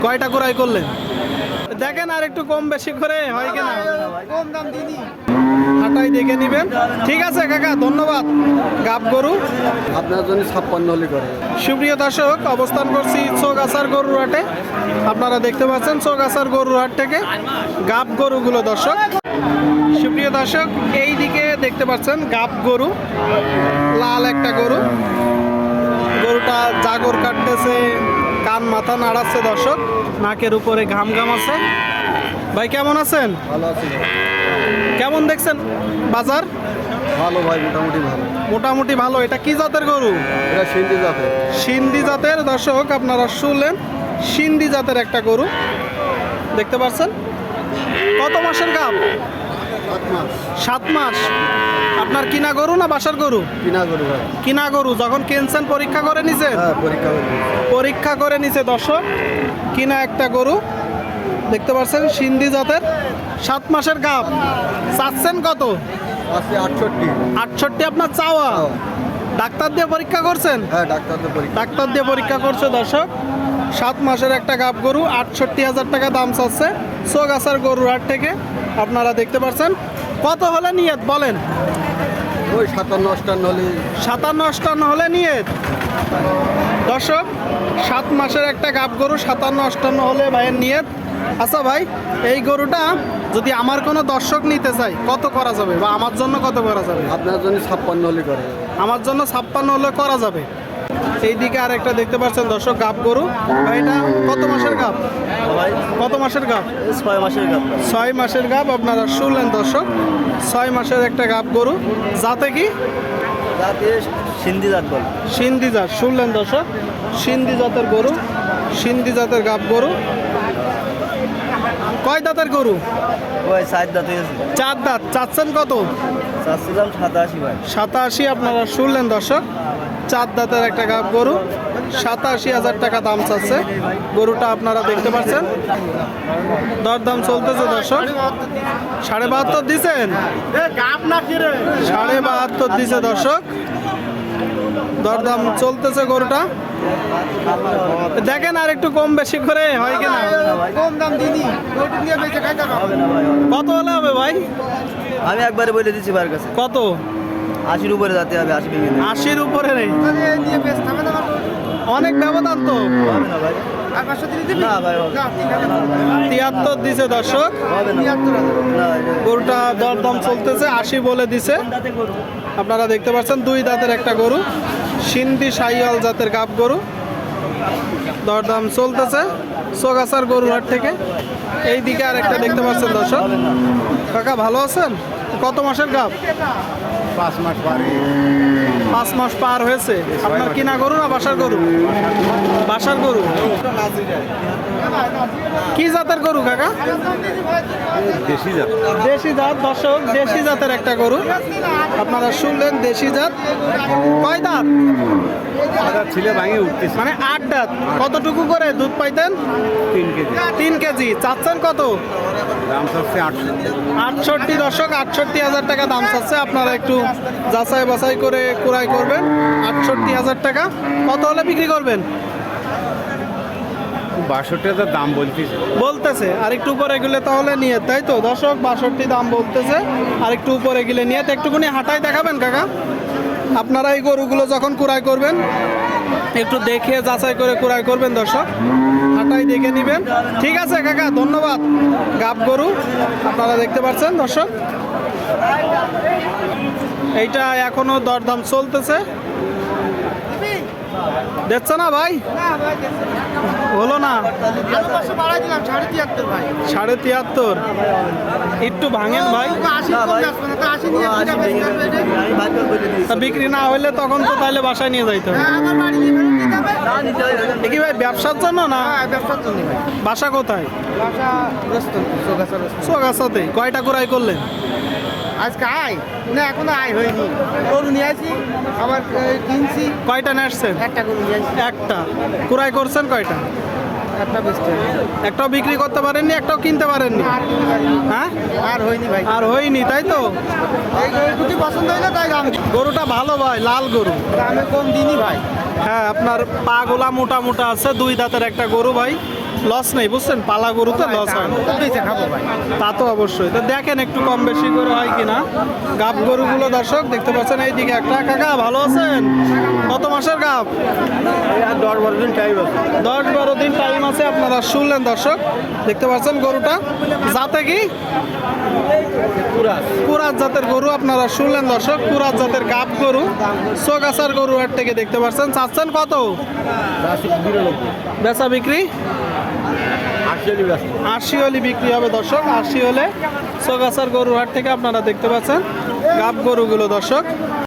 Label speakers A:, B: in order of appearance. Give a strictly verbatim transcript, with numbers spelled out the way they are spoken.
A: কয়টা ক্রয় করলেন? দেখেন আর একটু কম বেশি করে হয় কিনা,
B: কম দাম দিনি।
A: হাটাই দেখে নিবেন। ঠিক আছে কাকা, ধন্যবাদ। গাব গরু
B: আপনার জন্য ছাপ্পান্ন হলে করে।
A: সুপ্রিয় দর্শক, অবস্থান করছি চৌগাছার গরুর হাটে। আপনারা দেখতে পাচ্ছেন চৌগাছার গরুর হাট থেকে গাব গরুগুলো। দর্শক সুপ্রিয় দর্শক, এই দিকে দেখতে পাচ্ছেন গাব গরু, লাল একটা গরু। গরুটা জাগর কাটতেছে, কান মাথা নাড়াচ্ছে। দর্শক নাকের উপরে ঘাম ঘাম আছে। ভাই কেমন আছেন?
B: ভালো আছি।
A: কেমন দেখছেন বাজার?
B: ভালো ভাই, মোটামুটি ভালো।
A: মোটামুটি ভালো। এটা কি জাতের গরু?
B: এটা সিন্ধি জাতের।
A: সিন্ধি জাতের। দর্শক আপনারা শুনলেন, সিন্ধি জাতের একটা গরু দেখতে পাচ্ছেন। কত মাসের গাব?
B: সাত মাস।
A: সাত মাস। আপনার কিনা গরু না বাসার গরু?
B: কিনা গরু ভাই।
A: কিনা গরু। যখন কিনছেন পরীক্ষা করে নিছেন?
B: হ্যাঁ, পরীক্ষা করে।
A: পরীক্ষা করে নিছে। দর্শক কিনা একটা গরু দেখতে পাচ্ছেন, সিন্ধি জাতের, সাত মাসের গাব। চাচ্ছেন কত?
B: আছে আটষট্টি।
A: আটষট্টি আপনার চাওয়া? ডাক্তার দিয়ে পরীক্ষা করছেন?
B: হ্যাঁ, ডাক্তার তো পরীক্ষা।
A: ডাক্তার দিয়ে পরীক্ষা করছে। দর্শক সাত মাসের একটা গাব গরু, আটষট্টি হাজার টাকা দাম চাচ্ছে চৌগাছার গরুর হাট থেকে। আপনারা দেখতে পাচ্ছেন। কত হলে নিয়ত বলেন?
B: ওই সাতান্ন অষ্টান্ন হলে।
A: সাতান্ন অষ্টান্ন হলে নিয়ত। দর্শক সাত মাসের একটা গাব গরু, সাতান্ন অষ্টান্ন হলে ভাইয়ের নিয়ত। আচ্ছা ভাই, এই গরুটা যদি আমার কোনো দর্শক নিতে চাই কত করা যাবে, বা আমার জন্য কত করা যাবে?
B: আপনার জন্য ছাপ্পান্ন হলে করে।
A: আমার জন্য ছাপ্পান্ন হলে করা যাবে। এইদিকে আর একটা দেখতে পাচ্ছেন দর্শক গাব গরু। ভাই এটা কত মাসের গাব?
B: ভাই
A: কত মাসের গাব?
B: ছয় মাসের গাব।
A: ছয় মাসের গাব। আপনারা শুনলেন দর্শক, ছয় মাসের একটা গাব গরু। যাতে কি?
B: জাতে সিন্ধি জাত বলে।
A: সিন্ধি জাত। শুনলেন দর্শক, সিন্ধি জাতের গরু, সিন্ধি জাতের গাব গরু। কয় দাঁতের গরু?
B: ওই সাত দাঁত হয়েছে।
A: চার দাঁত। চাচ্ছেন কত?
B: চাচ্ছিলাম সাতাশি ভাই।
A: সাতাশি। আপনারা শুনলেন দর্শক, চার দাঁতের একটা গাব গরু, সাতাশি হাজার টাকা দাম চাচ্ছে গরুটা। আপনারা দেখতে পাচ্ছেন দরদাম চলতেছে দর্শক। সাড়ে বাহাত্তর দিচ্ছেন? সাড়ে বাহাত্তর দিছে দর্শক, দরদাম চলতেছে গরুটা। দেখেন আর একটু কম বেশি করে হয় কিনা,
B: কম দাম দিনি।
A: কত হলে হবে ভাই?
B: আমি একবারে বলে দিচ্ছি ভাইয়ের কাছে,
A: কত?
B: আশির উপরে যাতে হবে। আশি ভেঙে দেবে।
A: আশির উপরে নেই? অনেক ব্যবধান তো।
B: হবে না ভাই। না ভাই, হবে
A: তিয়াত্তর দিছে দর্শক,
B: না।
A: গরুটা দরদাম চলতেছে, আশি বলে দিছে। আপনারা দেখতে পাচ্ছেন দুই দাঁতের একটা গরু, সিন্ধি শাহিওয়াল জাতের গাব গরু। দরদাম চলতেছে চৌগাছার গরুর হাট থেকে। এই দিকে আর একটা দেখতে পাচ্ছেন দর্শক। কাকা ভালো আছেন? কত মাসের গাব?
B: পাঁচ মাস পারে।
A: পাঁচ মাস পার হয়েছে। আপনার কিনা গরু না বাসার গরু? বাসার গরু। কি জাতের গরু কাকা?
B: দেশি জাত।
A: দেশি জাত। দর্শক দেশি জাতের একটা গরু আপনারা শুনলেন, দেশি জাত। কয় দাঁত?
B: ছিলে ভাঙে উঠতেছে।
A: মানে আট দাঁত। কতটুকু করে দুধ পাইতেন?
B: তিন কেজি।
A: তিন কেজি। চাচ্ছেন কত?
B: দাম চাচ্ছে আটষট্টি।
A: আটষট্টি। দর্শক আটষট্টি হাজার টাকা দাম চাচ্ছে। আপনারা একটু যাচাই বাছাই করে ক্রয় করবেন। আটষট্টি হাজার টাকা। কত হলে বিক্রি করবেন?
B: বাষট্টি হাজার দাম বলতেছে।
A: বলতেছে আর একটু উপরে গেলে তাহলে নিয়ে, তাই তো দর্শক? বাষট্টি দাম বলতেছে, আর একটু উপরে গেলে নিয়ে। একটুখানি হাঁটাই দেখাবেন কাকা? আপনারা এই গরুগুলো যখন ক্রয় করবেন একটু দেখে যাচাই করে ক্রয় করবেন দর্শক, হাঁটাই দেখে নেবেন। ঠিক আছে কাকা, ধন্যবাদ। গাব গরু আপনারা দেখতে পাচ্ছেন দর্শক। এইটা এখনো দরদাম চলতেছে। দেখছো না ভাই? হলো না। সাড়ে তিয়াত্তর। একটু ভাঙেন ভাই। তা বিক্রি না হইলে তখন তো তাহলে বাসায় নিয়ে যাইতে হবে। কি ভাই ব্যবসার জন্য না? বাসা কোথায়? চৌগাছাতে। কয়টা ক্রয় করলেন?
B: আজকে আয় না, এখনো আয় হয়নি। গরু নিয়ে আসি, আবার কিনছি।
A: কয়টা নিয়ে আসছেন?
B: একটা গরু নিয়ে আসি।
A: একটা। ক্রয় করছেন কয়টা?
B: একটা বেচতে
A: একটাও বিক্রি করতে পারেননি, একটাও কিনতে পারেননি?
B: আর কিনতে পারিনি।
A: হ্যাঁ,
B: আর হয়নি ভাই।
A: আর হয়নি, তাই তো?
B: এই গরু দুটি পছন্দ হইলো তাই দাম।
A: গরুটা ভালো ভাই, লাল গরু।
B: দামে কম দিনই ভাই।
A: হ্যাঁ, আপনার পা গোলা মোটা মোটা আছে। দুই দাঁতের একটা গরু ভাই, লস নেই বুঝছেন, পালা গরুতে লস হয় না।
B: খাবো ভাই।
A: তা তো অবশ্যই। তো দেখেন একটু কম বেশি করে হয় কিনা। গাব গরুগুলো দর্শক দেখতে পাচ্ছেন এইদিকে একটা। কাকা ভালো আছেন? কত মাসের গাব?
B: দশ বারো দিন টাইম আছে।
A: দশ বারো দিন টাইম আছে। আপনারা শুনলেন দর্শক, দেখতে পাচ্ছেন গরুটা জাতে কি কুরাত জাতের গরু। আপনারা শুনলেন দর্শক, কুরাত জাতের গাব গরু, সোগাছার গরু হাট থেকে দেখতে পাচ্ছেন। চাচ্ছেন কত? বেচা বিক্রি আশি হলে বিক্রি হবে দর্শক। আশি হলে সোগাছার গরু হাট থেকে আপনারা দেখতে পাচ্ছেন গাব গরুগুলো দর্শক।